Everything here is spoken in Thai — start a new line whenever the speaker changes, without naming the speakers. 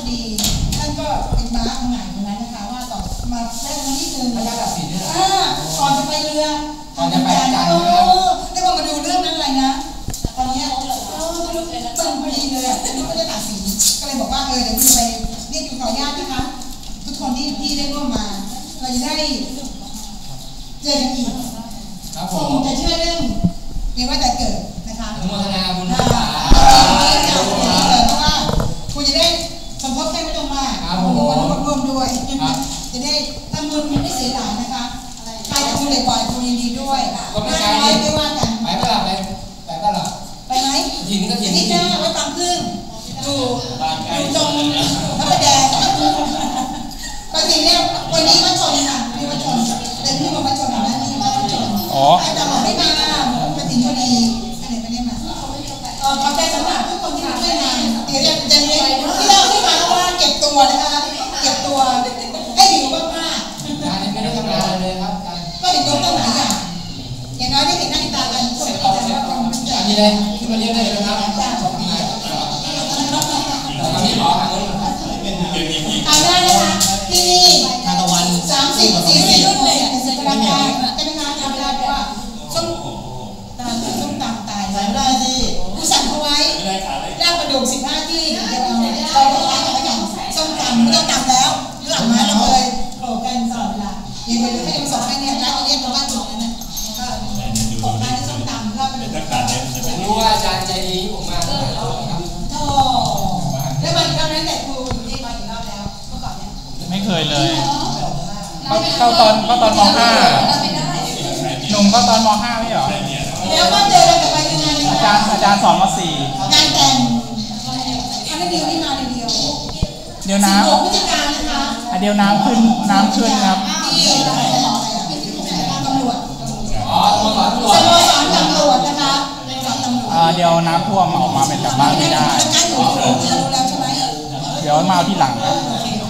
ดีท่านก็เป็นม้าของหงายตรงนั้นนะคะว่าต่อมาแรกมาที่หนึ่งพระเจ้าตัดสินเนี่ยก่อนจะไปเรือก่อนจะไปจันทร์ได้พอมาดูเรื่องนั้นอะไรนะตอนนี้ตึงพอดีเลยอ่ะนี่ก็จะตัดสินก็เลยบอกว่าเดี๋ยวคุณไปเรียกอยู่ขออนุญาตนะคะทุกคนที่ได้ร่วมมาเราจะได้เจอกันอีกคงจะเชื่อเรื่องในว่าจะเกิดนะคะ
อนุโมทนาบุญนะ
เพราะว่าคุณจะได้สมทบแค่ไม่ต้องมากร่วมด้วยจะได้ทำบุญไม่เสียหายนะคะใครจะคุณเลยปล่อยคุณยินดีด้วยไม่ว่ากัน
ไปเปล่า
ไปไหม
ถิ่นก็ถิ่น
นี่นะไว้ฟังพึ่งอยู่ตรงพระประแดงปกติเนี่ยวันนี้มาชนค่ะมีมาชนแต่ที่มาชนนะนี่มาชนแต่หมอไม่มาปกติพอดีไม่ได้มาขอบใจสำหรับทุกคนที่มาช่วยงานเดี๋ยวจะเรียนที่เราที่มาเพราะว่าเก็บตัวนะคะเก็บตัวให้อยู่มาก
งานนี้ไม่ได้ทำงานเลยครับ
ก็เห็นยกตัวไหนอย่างน้อยได้เห็นหน้าตากันสมบูรณ์แล้วก็
อันนี้เลยที่มาเรียนได้เลยนะครับตอนนี้หมอหาเงิน
เอาได้นะคะที่นี่
ทานตะวัน
30-40รุ่นเลยเสร็จแล้วค่ะจะเป็นงานทำได้เพราะว่าส้มตำตายใส่ไม่ได้สิผู้สั่งเขาไว้ย่างกระดูก15ที่เดี๋ยวเราล้างกันแล้วกันส้มตำไม่ต้องตำแล้วหลังมาเราเลยโผล่กันตลอดเวลาอย่างเดียวไม่ต้องสอนให้เนี่ยร้านนี้ชาวบ้านบอกนั่นน่ะก็ตกร้านที่ส้มตำก็เป็น
ผมรู้ว่าอาจารย์ใจดีผมมาหลายรอบครับ
โธ่แล้วมาอีกรอบนั้นแต่ครูอยู่ที่มาอีกรอบแล้วเมื่อก่อนเนี่ย
ไม่เคยเลยเข้าตอนม.5 หนุ่มเข้าตอนม.5 ไม่เหรอ
แล้วก็เจอกันกับไปงาน
อาจารย์สอนม.4
งานแต่งทำให้เดียวนี่มาเดียว
เดี๋ยวน้
ำพฤศจิกายนนะคะ
เดี๋ยวน้ำขึ้นครับ
ที่ตำรวจ
สโมสรตำร
วจนะคะ
เดี๋ยวน้ำท่วมออกมาเป็นกลับบ้านไม่ได้
ใกล้อยู่รู้แล้วใช่ไหม
เดี๋ยวมาเอาที่หลังครับ